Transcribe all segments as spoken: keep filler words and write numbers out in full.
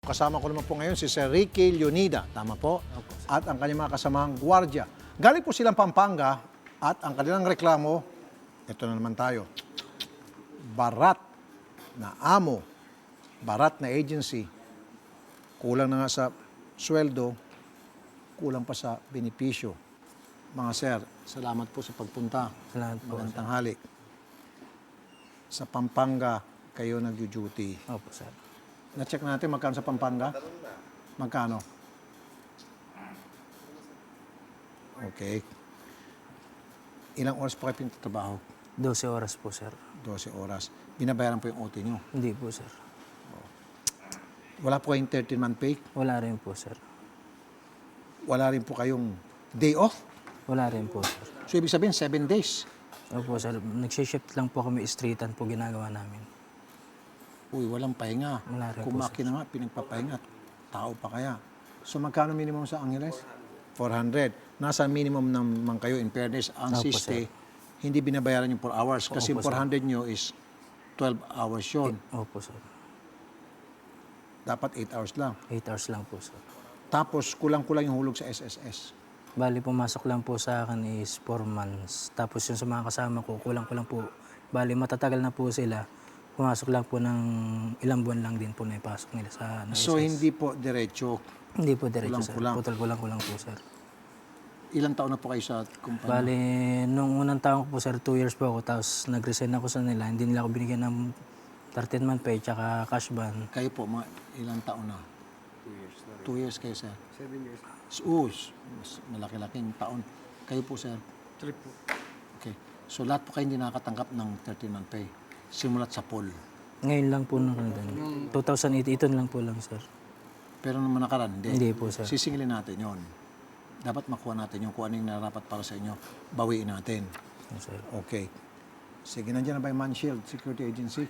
Kasama ko naman po ngayon si Sir Ricky Leonida, tama po? At ang kanyang mga kasamang gwardiya. Galing po silang Pampanga at ang kanilang reklamo, ito na naman tayo, barat na amo, barat na agency, kulang na nga sa sweldo, kulang pa sa benepisyo. Mga sir, salamat po sa pagpunta. Salamat po. Magandang tanghali. Sa Pampanga, kayo nag-duty. Opo, sir. Na-check natin magkano sa Pampanga? Magkano? Okay. Ilang oras po kayo pinagtatrabaho? dose oras po, sir. dose oras. Binabayaran po yung O T nyo? Hindi po, sir. Wala po kayong thirteen-month pay? Wala rin po, sir. Wala rin po kayong day off? Wala rin po, sir. So, ibig sabihin, seven days. Opo, sir. Nagsishift lang po kami streetan po ginagawa namin. Uy, walang pahinga. Wala rin Kung po, makina nga, pinagpapahinga. Tao pa kaya. So, magkano minimum sa Angeles? four hundred. Nasa minimum naman kayo, in fairness, ang Opo, siste, hindi binabayaran yung four hours. Kasi Opo, four hundred nyo is twelve hours yun. Opo, sir. Dapat eight hours lang. eight hours lang po, sir. Tapos, kulang-kulang yung hulog sa S S S. Bali, pumasok lang po sa akin is four months. Tapos yung sa mga kasama ko, kulang-kulang po. Bali, matatagal na po sila. Pumasok lang po ng ilang buwan lang din po na ipasok nila sa ano, So, S S. hindi po diretso. Hindi po diretso, sir. Kulang-kulang. Putal-kulang-kulang po, sir. Ilang taon na po kayo sa kumpanya? Bali, nung unang taon ko po, sir, two years po ako. Tapos nag-resign ako sa nila. Hindi nila ako binigyan ng thirteen-month pay tsaka cash ban. Kayo po, mga ilang taon na? Two years na rin. Two years kayo, sir? Seven years. Oo, mas malaki-laking taon. Kayo po, sir? Trip po. Okay. So, lahat po kayo hindi nakakatanggap ng thirteen-month pay. Simulat sa pool. Ngayon lang po nung two thousand eight, ito lang po lang, sir. Pero naman nakaraan, hindi. Hindi po, sir. Sisingilin natin yon. Dapat makuha natin yung kung ano yung narapat para sa inyo. Bawiin natin. Yes, sir. Okay. Sige, nandiyan na ba yung Manshield Security Agency?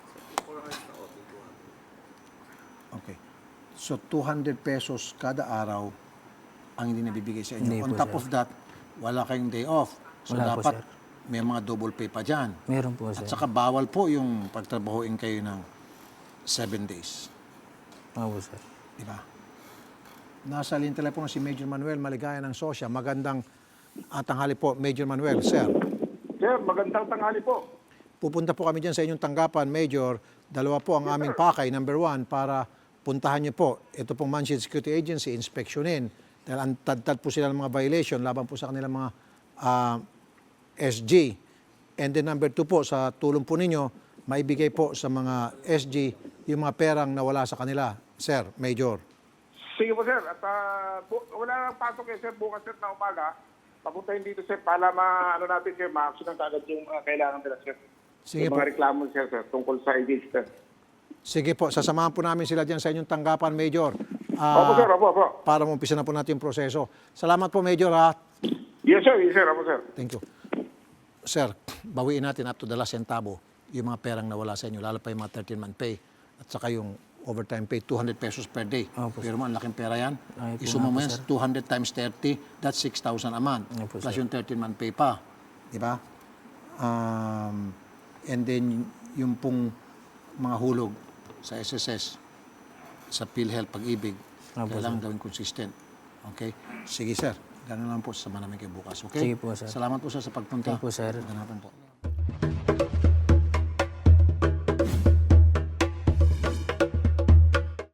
Okay. So, two hundred pesos kada araw ang hindi nabibigay sa inyo. Hindi On po, top sir. of that, wala kayong day off. So, Wala po, dapat sir. may mga double pay pa dyan. Meron po, sir. At saka bawal po yung pagtrabahoin kayo ng seven days. Oo, sir. Di ba? Nasa linya telepono si Major Manuel Maligaya ng Sosya. Magandang uh, tanghali po, Major Manuel. Sir, Sir, magandang tanghali po. pupunta po kami dyan sa inyong tanggapan, Major. Dalawa po ang aming pakay. Number one, para puntahan niyo po. Ito pong Manshield Security Agency, inspeksyonin. Dahil ang tad-tad po sila ng mga violation laban po sa kanilang mga uh, S G. And then number two po, sa tulong po ninyo, maibigay po sa mga S G yung mga perang nawala sa kanila. Sir, Major. Sige po, sir. At ah, bu- wala nang pasok eh, sir. Bukas, sir, na umaga. Papuntahin dito, sir, para ma, ano natin, sir, ma-action ng kagad yung ah, kailangan nila, sir. Sige yung po. mga reklamo, sir, sir, tungkol sa agency, sir. Sige po, sasamahan po namin sila dyan sa inyong tanggapan, Major. Ah, opo, sir. Opo, opo. Para umpisa na po natin yung proseso. Salamat po, Major, ha? Yes, sir. Yes, sir. Opo, sir. Thank you. Sir, bawiin natin up to the last centavo yung mga perang nawala sa inyo, lalo pa yung mga thirteen-month pay at saka yung overtime pay, two hundred pesos per day. Opo, Pero mo, ang laking pera yan. Ay, po Isuma nga mo po, yan, sir. two hundred times thirty, that's six thousand a month. Opo, Plus sir. yung thirteen-month pay pa. Di ba? Um, and then, yung pong mga hulog sa S S S, sa PhilHealth, Pag-ibig, Opo, kailangan gawin consistent. Okay? Sige, sir. Ganun lang po, sama namin kayo bukas. Okay? Sige po, sir. Salamat po, sir, sa pagpunta. Thank you po, sir. Magandang hapon po.